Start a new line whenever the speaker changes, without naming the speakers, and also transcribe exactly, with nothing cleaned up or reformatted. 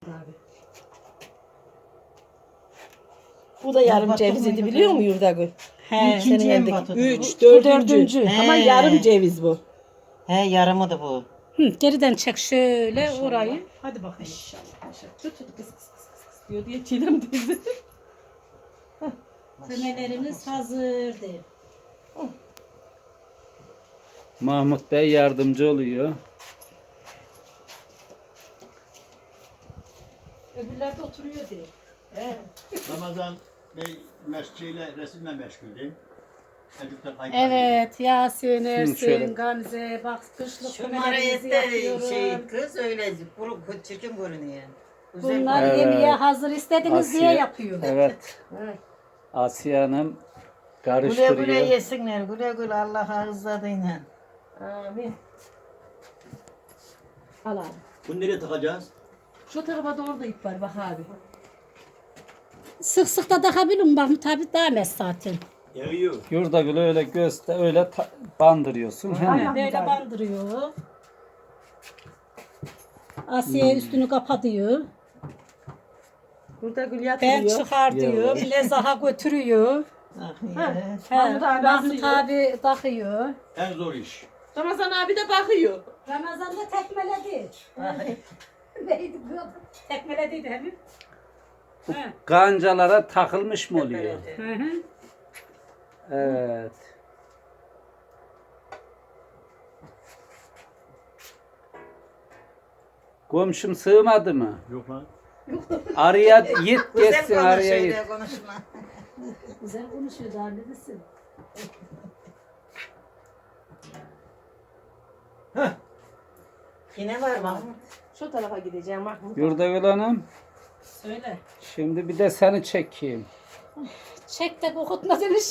abi.
Bu da yarım
Batı
ceviz idi
mıydı
biliyor
bu?
musun Yurdagül?
He.
İkinciye mi
Senin
batırdı
Üç,
Bu
dördüncü.
dördüncü.
Ama
He.
yarım ceviz bu.
He yarımı da bu.
Hı, geriden çek şöyle orayı.
Hadi bakayım. İnşallah. İnşallah. Tut tut kıs kıs kıs kıs kıs diyor diye Çiğdem teyze.
Fümelerimiz hazırdır.
Mahmut Bey yardımcı oluyor.
Öbürler de oturuyor diye.
Ramazan Bey mescidiyle resimle meşguldü. Çocuklar kayıp.
Evet Yasin,
şöyle.
Ersin, Gamze, bak kışlık
Şu
fümelerimizi
marayette
yapıyorum.
şey kız öyle kuru çirkin görünüyor. Güzel
Bunlar
Evet.
yemeğe hazır istediniz diye
Asiye-
yapıyorum.
Evet.
Evet.
Asiye Hanım
Güle güle
karıştırıyor.
yesinler. Güle güle Allah rızadıyla.
Amin. Al abi.
Bunu nereye takacağız?
Şu tarafa doğru da ip var bak abi.
Sık sık da takabilirim bak tabi değmez zaten.
Yarıyor.
Yurdagül öyle göster öyle ta- bandırıyorsun. He.
Aynen böyle bandırıyor. Asiye üstünü kapatıyor.
Burada gül
Ben
yatırıyor.
çıkar diyor. Lezaha götürüyor.
Ah
Ha.
ya.
He,
Mahmut abi
Mahmut
asıyor.
abi takıyor.
En zor iş.
Ramazan abi de bakıyor.
Ramazan'da tekmeledi.
Ay.
Neydi bu? Tekmelediydi hem. He.
Kancalara takılmış mı oluyor?
Hı hı.
Evet. Komşum sığmadı mı?
Yok lan.
Araya git
Güzel
geçsin
konuş
araya git.
öyle konuşma.
Güzel konuşuyor daha ne desin?
Yine var Mahmut.
Şu tarafa gideceğim Mahmut.
Yurdagül Hanım
Söyle.
şimdi bir de seni çekeyim.
Çek de kokutma demiş.